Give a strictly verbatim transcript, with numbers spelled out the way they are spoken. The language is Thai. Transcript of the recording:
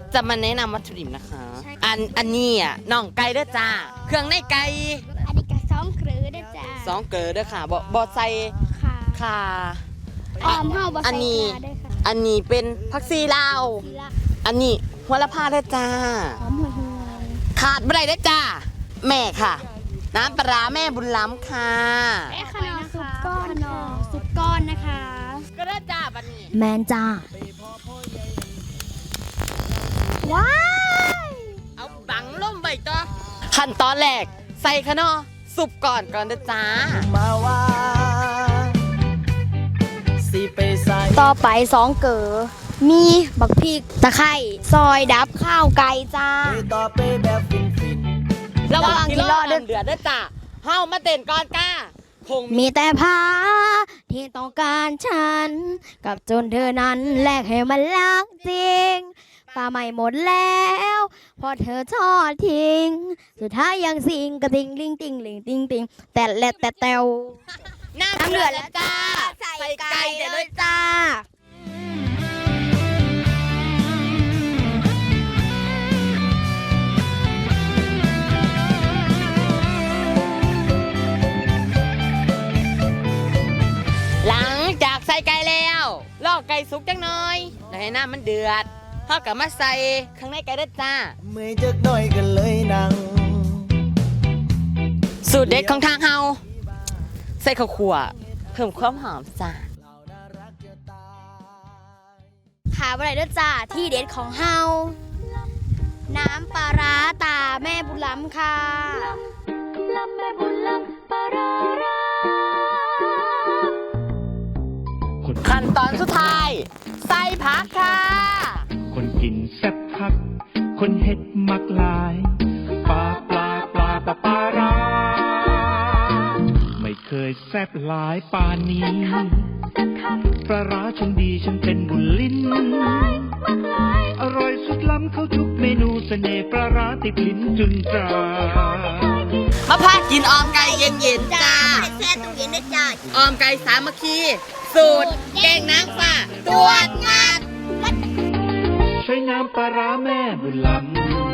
จะมาแนะนำวัตถุดิบนะคะอันอันนี้อ่ะน่องไก่เด้อจ้าเครื่องในไก่อันนี้ก็สองเกลือได้จ้าสองเกลือเด้อค่ะบ่บ่ใส่ค่ะค่ะออมเฮาบ่ใส่ค่ะได้ค่ะอันนี้เป็นผักซีลาวอันนี้หัวละพาเด้อจ้าหอมห่วยขาดไม่ได้เด้อจ้าแม่ค่ะน้ำปลาแม่บุญล้ำค่ะแม่ขนมสุกก้อนขนมสุกก้อนนะคะก็ได้จ้าบัดนี้แมนจ้าว้ายเอาบังล่มใบต่อขั้นตอนแรกใส่ขนอสุปก่อนก่อนเด้อจ้ามาว่าสิไปใส่ต่อไปสองเกลือมีบักพริกตะไคร้ซอยดับข้าวไก่จ้าต่อไปแบบฟินฟินระหว่างที่รอเดือดเดือดเด้อจ้าเฮามาเต้นก่อนก้าคงมีแต่พาที่ต้องการฉันกับจนเธอนั้นแลกให้มันรักจริงปลาใหม่หมดแล้วพอเธอทอดทิ้งสุดท้ายยังสิงกระติงลิงติงลิงติงติงแต่แลดแต่แตวน้ำเดือดแล้วจ้าใส่ไก่เลยจ้าหลังจากใส่ไก่แล้วลอกไก่สุกจังหน่อยแล้วให้น้ำมันเดือดเท่ากับมาใส่ข้างในไก่เด้อจ้าเมื่อจักหน่อยกันเลยนังสูตรเด็ดของทางเฮาใส่ข้าวคั่วเพิ่มความหอมจ้าขาบะไรเด้อจ้าที่เด็ดของเฮาน้ำปลาร้าตาแม่บุญล้ำค่ะลำแม่บุญล้ำปลาร้าขั้นตอนสุดท้ายใส่ผักค่ะคนกินแซ่บคักคนเฮ็ดมักลายปลาปลาปลาปลาปลาร้าไม่เคยแซ่บหลายปานนี้ปลาร้าฉันดีฉันเป็นบุญลิ้นอร่อยสุดล้ำเข้าทุกเมนูเสน่ห์ปลาร้าติดลิ้นจึงตรามาพากินออมไก่เย็นๆจ้าแช่ตู้เย็นได้จ้าออมไก่สามัคคีสูตรเก่งนางฟ้าตรวจงานใช้น้ำปลาร้าแม่บุญล้ำ